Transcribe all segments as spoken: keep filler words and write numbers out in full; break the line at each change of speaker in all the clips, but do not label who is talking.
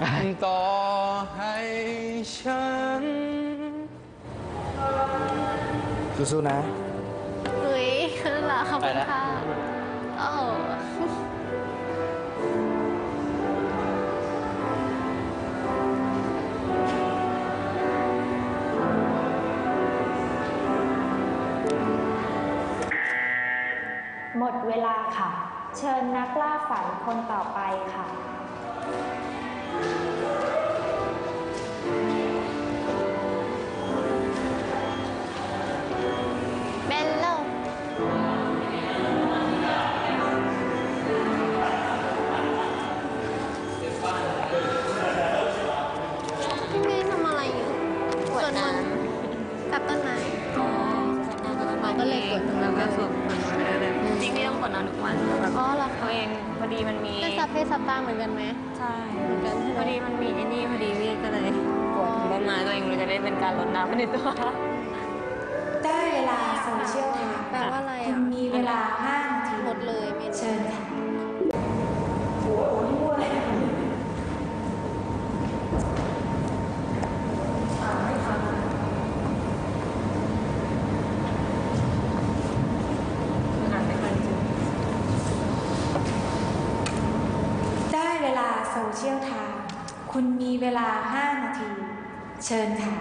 ต่อให้ฉันสู้ๆนะ
เฮ้ยเหรอขอบคุณค่ะโอ้
หมดเวลาค่ะเชิญนักล่าฝันคนต่อไปค่ะ
เบลโลพี่เมย์ทำอะไรอยู่สวดมนต์กับต้นไม้อ๋อมันก็เลยกดตรงนั้นก็สุดจริงๆต้องกดนอนทุกวันอ๋อเหรอตัวเองพอดีมันมีเป็นสัพเพสัตตาเหมือนกันไหมใช่เหมือนกันพอดีมันมีไอ้นี่พอดีพี่ก็เลยกดต้นไม้ตัวเองเลยจะได้เป็นการลดน้ำในตัว
ได้เวลาโซเชียลค่ะ
แปลว่าอะไรอ่ะ
มีเวลาห้านาที
หมดเลยเมนู
เชิญค่ะโอ้โหนี่พูดอะไรอ่านไม่ทันอ่านไม่ทันจริงได้เวลาโซเชียลไทม์คุณมีเวลาห้านาทีเชิญค่ะ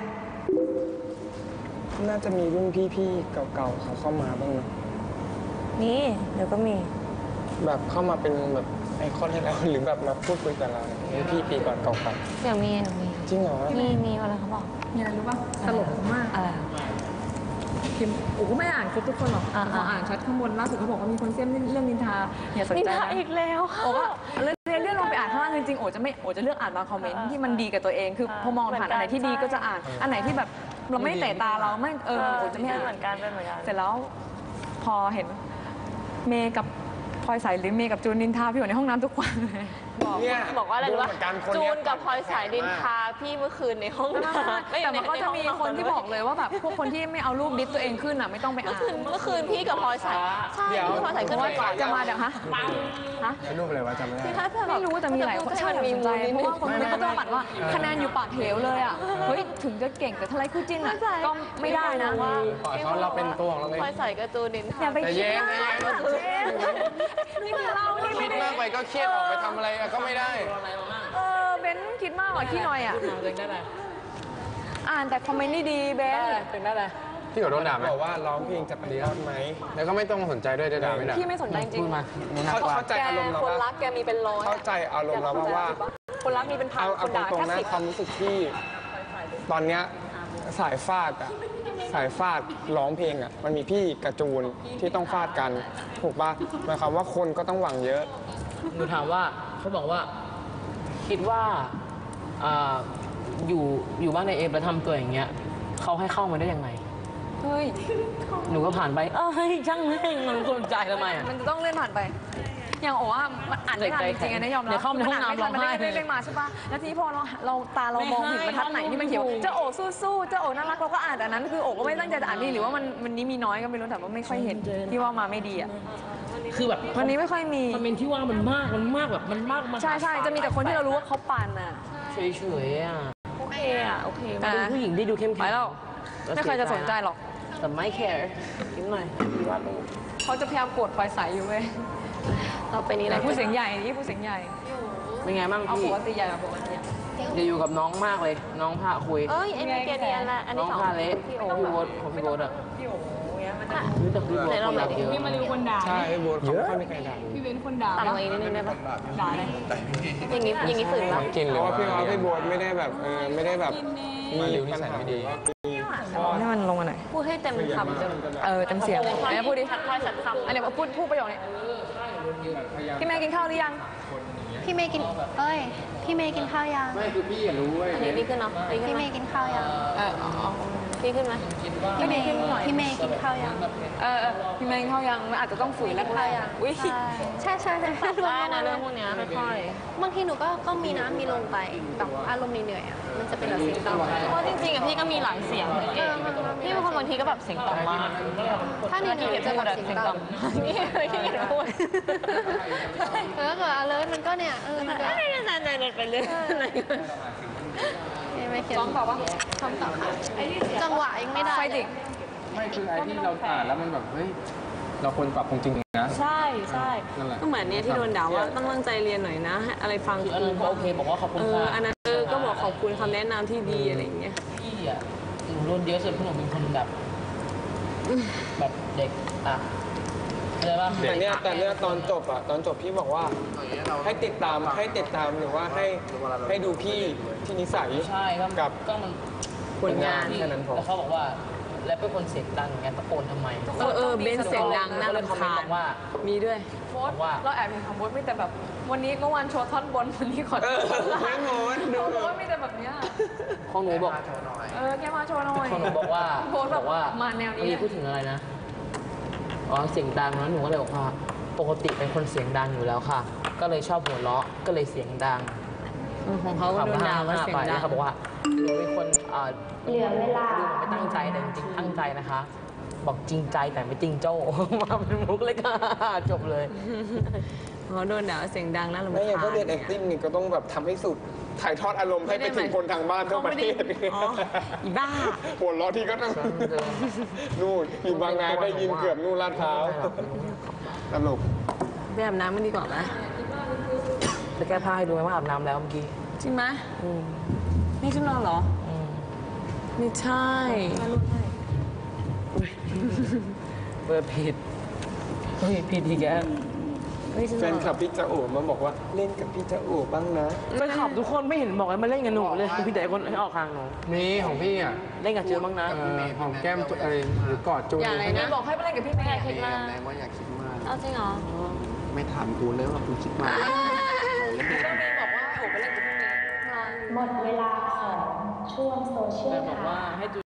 น่าจะมีรุ่นพี่ๆเก่าๆเขาเข้ามาบ้างนะ
นี่เดี๋ยวก็มี
แบบเข้ามาเป็นแบบไอคอนให้เราหรือแบบมาพูดคุยกับเราเนี่ยพี่ปีก่อนเก่า
ๆเดี๋ยวมีหนูมี
จริงเหรอ
มีมีอะไรเขาบอก
มีอะไรรู้ป่ะตลกมาก
อะไร
พิมพ์โอ้ก็ไม่อ่านครบทุกคนหรอกพออ่านชัดข้างบนล่าสุดเขาบอกว่ามีคนเสี่ยมเรื่องนินทาอย่าสนใจนะ
อีกแล้ว
โอ้ก็เรื่องเรื่องลงไปอ่านข้างล่างจริงๆโอ้จะไม่โอ้จะเลือกอ่านบางคอมเมนต์ที่มันดีกับตัวเองคือพอมองผ่านอันไหนที่ดีก็จะอ่านอันไหนที่แบบเราไม่เตะตาเราไม่เออโอ้จะไม่อ่าน
เหมือนกันเป็นเหมือนกัน
เสร็จแล้วพอเห็นเมย์กับพลอยสายหรือเมย์กับจูนนินทาพี่อยู่ในห้องน้ำทุกวันเลย
บอกบอกว่าอะไรรู้ป่ะจูนกับพลอยสายดินทาพี่เมื่อคืนในห้องน้ำ
แต่มันก็จะมีคนที่บอกเลยว่าแบบพวกคนที่ไม่เอารูปดิสตัวเองขึ้นอ่ะไม่ต้องไปอ่าน
เมื่อคืนพี่กับพลอยสายใช่พี่พลอยสายขึ้นมาก่อน
จะมาเดี๋ยวฮะ
ฮะรูปอะไรวะจำไม่ได้
ไม่รู้แต่มีหลายคนใช่มีใจเพราะว่าคนนี้ก็จะปัดว่าคะแนนอยู่ปากเหวเลยอ่ะเฮ้ยถึงจะเก่งแต่ถ้าไรคู่จิ้นอ่ะก็ไม่ได้นะ
ว่าเขาเราเป็นตัวของเราเอง
พลอยสายกับจูนดินทา
อย่าไปคิดมาก
นี่คือเรานี่
คิดมากไปก็เครียดออกไปทำอะไรก็ไม่ได้
เออเบนคิดมากกว่าขี้หน่อยอ่ะอ่านแต่คอมเมนต์ดีๆเบน
เป็นได้เลยพี่ขอโดนด่าไหมบอกว่าร้องเพลงจะปฏิวัติไหมแล้วก็ไม่ต้องสนใจด้วยด่าไม่ด่า
พี่ไม่สนใจจริง
เข้าใจอารมณ์เรา
คนรักแกมีเป็นร้อย
เข้าใจอารมณ์เราว่า
คนรักมีเป็นพันคนด่าแค่สิบ
ความรู้สึกที่ตอนเนี้ยสายฟาดอ่ะสายฟาดร้องเพลงอ่ะมันมีพี่กระจูนที่ต้องฟาดกันถูกป่ะหมายความว่าคนก็ต้องหวังเยอะ
หนูถามว่าเขาบอกว่าคิดว่าอยู่อยู่บ้านในเอฟแล้วทำตัวอย่างเงี้ยเขาให้เข้ามาได้ยังไง
เฮ้ย
หนูก็ผ่านไปเอ้ยช่างแม่งมันสนใจทำไมอ่ะ
มันจะต้องเลื่อนผ่านไปอย่างโอ้ว่ามันอ่านไม่ทันจริงๆนะยอมรับ
เข้าในห้องน้ำร้องไห้
ไม่ได้มาใช่ป่ะแล้วทีนี้พอเราเราตาเรามองเห็นบรรทัดไหนที่มันเขียวเจ้าโอ้สู้ๆเจ้าโอ้น่ารักเราก็อ่านแต่นั้นคือโอ้ก็ไม่ตั้งใจจะอ่านนี่หรือว่ามันมันนี้มีน้อยก็ไม่รู้แต่ว่าไม่ค่อยเห็นที่ว่ามาไม่ดีอ่ะ
คือแบบ
วันนี้ไม่ค่อยมี
คอมเมนต์ที่ว่ามันมากมันมากแบบมันมากมา
ใช่ใช่จะมีแต่คนที่เรารู้ว่าเขาปั่นอ่ะ
เฉยๆอ่ะ
โอเคอ่ะโอเค
มาดูผู้หญิงได้ดูเข้มแข็ง
ไปแล้วไม่เคยจะสนใจหรอก
แต่ไม่แคร์นิดหน่อยว่าดู
เขาจะพยายามกดไฟใสอยู่เว้ย
เราไปนี้แหละ
ผู้เสียงใหญ่นี่ผู้เสียงใหญ่
เป็นไงบ้างพี่เอา
ปกติใหญ่ปกติ
จะอยู่กับน้องมากเลยน้องพาคุย
เอ้ยไอ้นี่เกเนียนละอันนี้
น้องพาเละพี่โอ๊ตพี่โอ๊ตของพี่โอ๊ตอ่ะ
พี่โอ๊ตเงี้ยมันจะ
รู้จักพี่โอ๊ต
เราแบบ
พี่มาริวคนด่า
ใช่พี่โอ๊ตเขาไม่ค่อยมีใครด่า
พี่เว้นคนด่า
ต่ำกว่าอีกนิดนึงได้ปะ
ด่าเลย
อย่างงี้อย่างงี้ฝืนปะ
กินเพราะว่าพี่โอ๊ตพี่โอ๊ตไม่ได้แบบเออไม่ได้แบบ
มาริวนิสัยไม่ดี
ให้มันลงมาหน่อย
พูดให้เต็มคำ
เออเต็มเสียงไหนพูดดิ
พลอยสัตคำ
อันนี้พูดพูดประโยคนี้พี่เมย์กินข้าวหรือยัง
พี่เมย์กินเอ้ยพี่เมย์กินข้าวยัง
ไม่คือพี่อยากรู้เว้ย
อันนี้ดีขึ้นเนาะพี่เมย์กินข้าวยัง
เออ
ดีขึ้นไหมพี่เมย์กินหน่อยพี่เมย์กินข้าวยัง
เออพี่เมย์กินข้าวยังมันอาจจะต้องฝืนแล้ว
ข้าวยัง
อุ้ย
ใช่ใช่ใช่ได้นะเรื่องพวกนี้ค่อยๆบางทีหนูก็ก็มีน้ำมีลงไปแบบอารมณ์เหนื่อยอ่ะมันจะเป็นแบบเสียงต่ำเพราะจริงๆอ่ะพี่ก็มีหลายเสียงพี่บางคนบางทีก็แบบเสียงต่ำมากถ้าเหนื่อยๆจะแบบเสียงต่ำนี่พี่พูดแล้วก็ alert มันก็เนี่ยอ่ะเออมันก็ไม่นานๆไปเรื่อยอะไรไม่เขียนซ้อมต่อปะซ้อมต่อค่ะจังหวะยังไม่ได้
ไฟติก
ไม่คือไอ้ที่เราอ่านแล้วมันแบบเฮ้ยเราควรปรับปรุงจริงๆนะ
ใช่ใช่
นั่นแหละ
ก็เหมือนเนี้ยที่โดนด่าว่าต้องตั้งใจเรียนหน่อยนะให้อะไรฟัง
คืออันนั้นก็โอเคบอกว่าขอบคุณ
เออ
ค่ะ
อันนั้นเออก็บอกขอบคุณคำแนะนำที่ดีอะไรอย่างเงี้ย
พี่อ่ะหนูโดนเยอะสุดเพราะหนูเป็นคนแบบ แบบเด็กอ่ะอะไรป่ะ
แต่เนี้ยแต่เนี้ยตอนจบอะตอนจบพี่บอกว่าให้ติดตามให้ติดตามหรือว่าให้ให้ดูพี่ที่นิสัย
ใช่ก็
กับ
ก็มัน
ผลงานแค่นั้นพอ
แล้วเขาบอกว่าแล้วเป็นคนเสียงดังอย่างเงี้ยตะโกนทำไม
เออเออเบนซ์เสียงดังน่ารำคาญ
บอกว่า
มีด้วย
โพสต์เราแอบเห็นของโพสต์มีแต่แบบวันนี้เมื่อวานโชว์ท่อนบนวันนี้ขอโทษ
เออไม่โพสต์ดู
เขาบอกว่ามีแต่แบบเนี้ย
ของหนูบอก
เออแค่มาโชว์หน่อย
ของหนูบอกว่า
โพสต์แบบ
บอกว่า
มาแนวนี้
เมื่อกี้พูดถึงอะไรนะอ๋อเสียงดังนะหนูก็เลยบอกว่าปกติเป็นคนเสียงดังอยู่แล้วค่ะ ก็เลยชอบหัวเราะก็เลยเสียงดัง
ของเขาก็โดนด่าว่าเสียงดัง
เขาบอกว่าหนูเป็นคนเอ่อเหลือเวลาดูเหมือนไม่ตั้งใจแต่จริงๆตั้งใจนะคะ บอกจริงใจแต่ไม่จริงโจ้ มาเป็นมุกเลยค่ะจบเลย
เขาโดนด่าว่าเสียงดังน่ารำคาญ
ไม่อย่างก็เรียน acting นี่ก็ต้องแบบทำให้สุดถ่ายทอดอารมณ์ให้ไปถึงคนทางบ้านทั่วประเทศ
อ๋ออีบ้า
หัวเราะที่ก็ต้องนู่นอยู่บางนาได้ยินเกือบนู่นลาดพร้าวตลก
ไปอาบน้ำมันดีกว่าไหม
จะแก้ผ้าให้ดูไหมว่าอาบน้ำแล้วเมื่อกี้
จริงไหม
อืม
นี่ชุดนอนเหรอ
อืม
ไม่ใช่
เปิดผิดเฮ้ยผิดอีกแล้ว
ไม่ชุด
แฟ
นอน
นคลับพี่จะโอ๋มาบอกว่าเล่นกับพี่จะโอ๋บ้างนะ
ไปขับทุกคนไม่เห็นบอกให้มาเล่นกับหนูเลยพี่แต่คนให้ออกทางหนู
มีของพี่อ่ะ
เล่นกับจือบ้างนะ
เอ่อหอมแก้มตัวอะไรหรือกอดจูน
อย่าอะไรนะ
บอกให้ไปเล่นกับพี่เมย์
คิดมาก
แรงว่าอยากคิดมาก
เอาจริงเหรอ
ไม่ถามกูเลยว่ากูคิดมาก
ก็มีบอกว่าให้โอบไปเล่นกับพี่เมย์
หมดเวลาของช่วงโซเชียล
แต่บอก
ค่ะ
ว่าให้จู